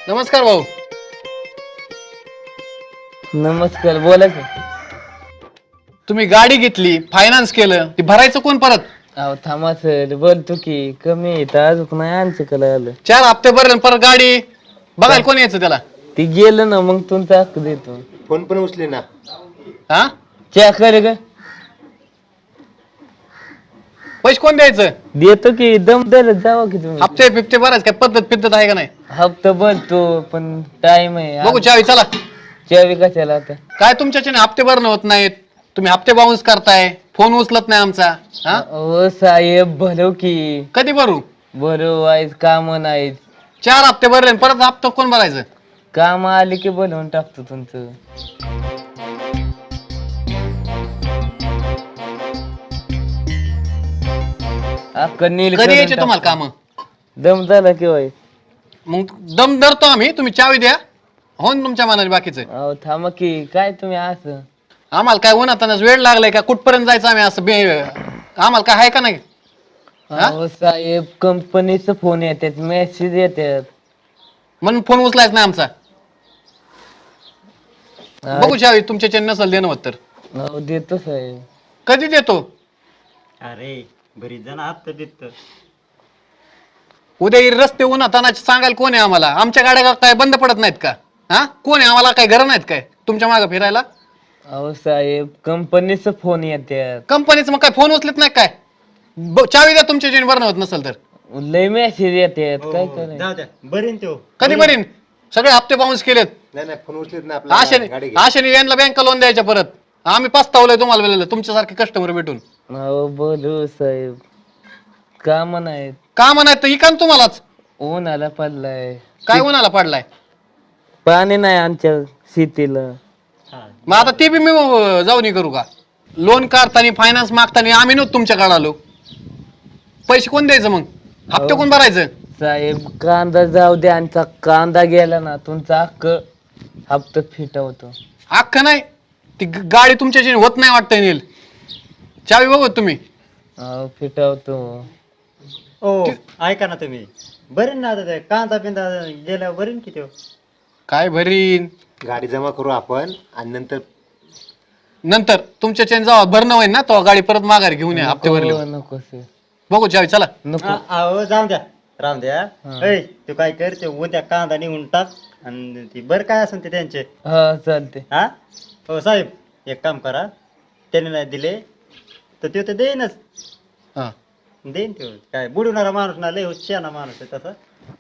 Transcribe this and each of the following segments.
नमस्कार भाऊ. नमस्कार, बोला की. तुम्ही गाडी घेतली, फायनान्स केलं, ती भरायचं कोण परत? अहो थांबा सर, बोलतो की. कमी येत अजून नाही आमच्याकडे आलं. 4 हप्ते भरले आणि परत गाडी बघायला कोण यायचं त्याला? ती गेलं ना, मग तुमचा हक्क देतो. फोन पण उचले ना. हा चॅक करे का? पैसे कोण द्यायचं? देतो की. दम द्यायला जावा की तुम्ही. हप्ते बिप्ते भरायचं काय पद्धत आहे का नाही? हप्ता भरतो पण टाइम आहे. बघू चावी चला. चावी कशाला आता? काय तुमच्याच्याने हप्ते भरणं होत नाहीत, तुम्ही हप्ते बाउन्स करताय, फोन उचलत नाही आमचा. हा हो साहेब, भरव की. कधी भरू? भरव आहेत, काम नाहीत. 4 हप्ते भरले आणि परत हप्ता कोण भरायचं? काम आले की भरवून टाकतो तुमचं. कधी यायचे तुम्हाला काम? दम झाला किंवा. मग दम धरतो आम्ही, तुम्ही चावी द्या, हो ना तुमच्या मनाने बाकीचं. अहो थांबा की. काय तुम्ही असं? आम्हाला काय उन्हातानाच वेळ लागलाय का? कुठपर्यंत जायचं आम्ही असं आम्हाला काय आहे का नाही? अहो साहेब, कंपनीचं फोन येतात, मेसेज येतात. म्हणून फोन उचलायच नाही आमचा. बघू चावी तुमच्या नसल देणं होत तर. अहो देतो साहेब. कधी देतो? अरे बरीच जण आत देत. उद्या रस्ते उन्हातानाचे सांगायला कोण आहे आम्हाला? आमच्या गाड्या काय बंद पडत नाहीत का? हा कोण आहे? आम्हाला काय घर नाहीत काय तुमच्या मागे फिरायला? अहो साहेब, कंपनीचं फोन येतात. कंपनीचं मग काय फोन उचलत नाही काय? चावी द्या तुमच्या जेणे भरणं होत नसेल तर. लय मेसेज येतात. काय करायचं? जाऊ द्या, बरीन तो. कधी बरीन? सगळे हप्ते बाउन्स केलेत. नाही नाही, फोन उचलेत ना आपला. आशेने यांना बँका लोन द्यायच्या परत. आम्ही पस्तावलोय तुम्हाला वेळेला तुमच्यासारखे कस्टमर भेटून. अहो बोलू साहेब, काम नाहीत. काम नाही तर इकान तुम्हालाच. उन्हाला पडलाय. काय उन्हाला पडलाय? पाणी नाही आमच्या शेतीला. मग आता ते बी मी जाऊन करू का? लोन काढताना फायनान्स मागताना आम्ही नव्हतो तुमच्याकडे आलो. पैसे कोण द्यायचं मग? हप्ते कोण भरायचं? साहेब कांदा जाऊ द्या, आमचा कांदा गेला ना, तुमचा हक्क हप्ता फिटवतो. अख्खं नाही, ती गाडी तुमच्या होत नाही वाटतं नील. चावी बघू तुम्ही. अहो फिटवतो. हो ऐका ना तुम्ही, बरीन ना आता ते कांदा पिंदा गेल्यावर बरीन की तो. काय भरीन? गाडी जमा करू आपण आणि नंतर नंतर तुमच्या चेन जेव्हा भरणं होईल ना तेव्हा गाडी परत माघारी घेऊन या हप्ते भरले. नको सर, बघू चावी चला. नको. अहो जाऊ द्या, राम द्या. ऐ तू काय कर, ते उद्या कांदा निघून टाक आणि ती बर काय असेल ते त्यांचे. हा चालते. हा हो साहेब, एक काम करा, त्याने नाही दिले तर ते देईनच. हा देईन तो. काय बुडवणारा माणूस ना, लय हुशार माणूस आहे तसा.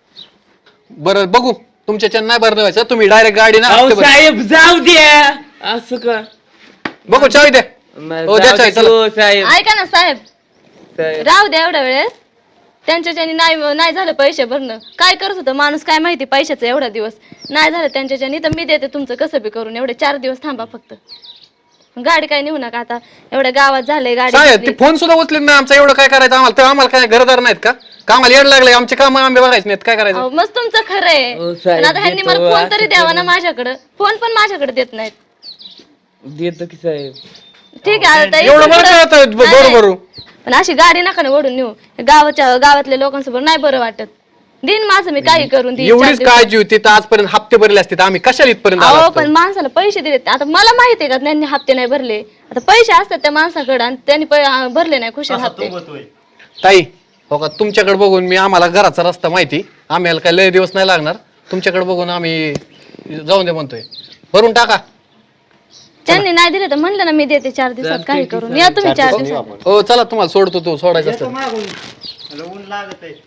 बरं बघू, तुमच्या चेन नाही भरणं व्हायचं, तुम्ही डायरेक्ट गाडी ना अहो हप्ते भरा. साहेब जाऊ द्या. असं का? बघू चावी द्या. हो, द्या चावी, चला. हो, साहेब. ऐका ना साहेब, साहेब. राहू द्या एवढ्या वेळेस. त्यांच्याच्यानी नाही झालं पैसे भरणं. काय करत होतं माणूस काय माहिती पैशाचं? एवढा दिवस नाही झालं त्यांच्याच्यानी तर मी देते तुमचं कसं बी करून. एवढे 4 दिवस थांबा फक्त. गाडी काय नेऊ नका आता, एवढ्या गावात झालंय गाडी साहेब ते घेतली. फोन सुद्धा उचलत नाही आमचा. एवढं काय करायचं आम्हाला? तर आम्हाला काय घरदार नाहीत का? कामाला येड लागले, आमचे काम आंबे बघायचे नाहीत, काय करायचं? अहो, मस्त तुमचं खरं आहे. हो, साहेब, पण आता ह्यांनी मला देतो, फोन तरी असं द्यावा ना करून. माझ्याकडं. फोन पण माझ्याकडे देत नाहीत. देतो की साहेब. ठीक आहे आता एवढं इथून बरं पुढं- कळतं नाही, नाही. बरोबर. पण अशी गाडी नका ना ओढून नेऊ. गावातल्या लोकांसोबत नाही बरं वाटत. दिन माझं मी काही करून देईन 4 एवढीच दिवसात. काळजी होती तर आजपर्यंत हप्ते भरले असते तर आम्ही कशाला इथपर्यंत आलो अहो असतो? पण माणसाला पैसे दिले. आता मला माहिती आहे का त्यांनी हप्ते नाही भरले. आता पैसे असतात त्या माणसाकडे आणि त्यांनी भरले नाही खुशाल हप्ते. ताई हो का, तुमच्याकडे बघून मी, आम्हाला घराचा रस्ता माहिती, आम्हाला काय लय दिवस नाही लागणार. तुमच्याकडे बघून आम्ही जाऊन दे म्हणतोय. भरून टाका. त्यांनी नाही दिले तर म्हणलं ना मी देते 4 दिवसात काही करून. या तुम्ही 4 दिवसात. हो चला, तुम्हाला सोडतो, तो सोडायचं असतं. ऊन लागत आहे.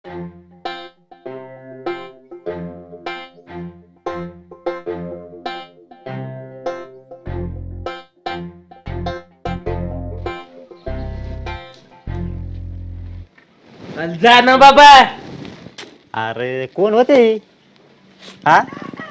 जा ना बाबा. अरे कोण होते? हा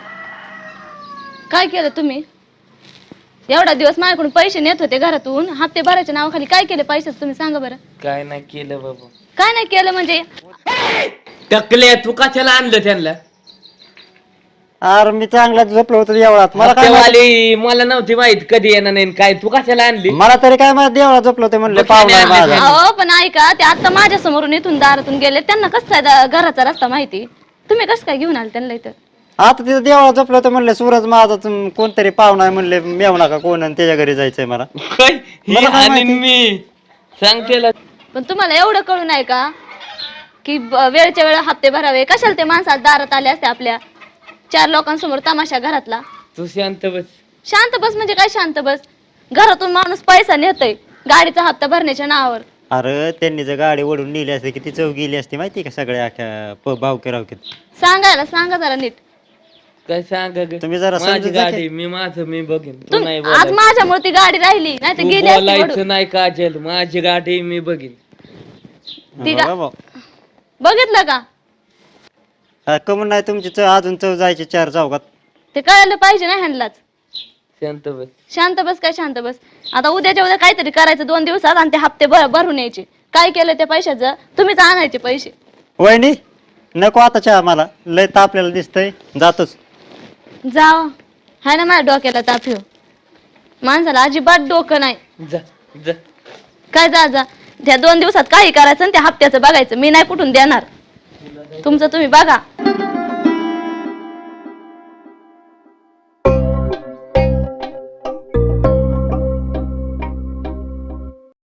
काय केलं तुम्ही? एवढा दिवस माझ्याकडून पैसे नेत होते घरातून, हप्ते भरायच्या नावाखाली काय केले पैशाचं तुम्ही सांगा बरं. काय नाही केलं बाबा. काय नाही केलं म्हणजे? टकले तू कशाला आणलं त्यांना? अरे मी चांगला झोपलो होतो देवळात. मला काय माहिती- हप्तेवाली मला नव्हती माहित कधी येणार नाही काय. तू कशाला आणली? मला तरी काय माहिती, देवळात झोपलो होते म्हणले बघ, पाहुणा आहे नाही माझा. अहो पण ऐका, ते आता माझ्या समोरून इथून दारातून गेले. त्यांना कसं काय घराचा रस्ता माहिती? तुम्ही कसं काय घेऊन आले त्यांना इथं? आता तिथं देवळा झोपलं तर म्हणले सूरज माझा कोणतरी पाहुणा आहे म्हणले मेव नका कोण आणि त्याच्या घरी जायचंय मला. काय ही मला काय आणीन माहिती? मी सांगते ला. पण तुम्हाला एवढं कळू नाही का की वेळच्या वेळ हप्ते भरावे? कशाला ते माणसात दारात आले असते आपल्या 4 लोकांसमोर तमाशा घरातला? तू शांत बस. शांत बस म्हणजे काय शांत बस? घरातून माणूस पैसा नेतोय गाडीचा हप्ता भरण्याच्या नावावर. अरे त्यांनी जर गाडी ओढून नेली असते किती चव गेली असती माहिती का सगळ्या अख्ख्या भावके रावकेत. सांगा जरा नीट. काय सांगा ग? तुम्ही जरा माझी समजून जा की. गाडी मी बघेन. तू नाही आज बोलायचं. माझ्यामुळे ती गाडी राहिली नाही तर तू गेली असती बोलायचं ओढून. नाही काजल. माझी गाडी मी बघेन. ती बघा भाऊ. बघितलं का? कमून नाही तुमची अजून चव जायची 4 चौकात. ते कळायला पाहिजे ना ह्यांनाच. शांत बस. शांत बस काय शांत बस? आता उद्याच्या उद्या काहीतरी करायचं 2 दिवसात आणि ते हप्ते भरून यायचे. काय केलं त्या पैशाचं? तुम्हीच आणायचे पैसे. वहिनी नको आता चहा मला लय तापलेलं दिसतंय जातोच. जाव हाय ना माझ्या डोक्याला ताप येऊ. माणसाला अजिबात डोकं नाही. जा जा. काय जा त्या 2 दिवसात काही करायचं आणि त्या हप्त्याचं बघायचं. मी नाही कुठून देणार. तुमचं तुम्ही बघा.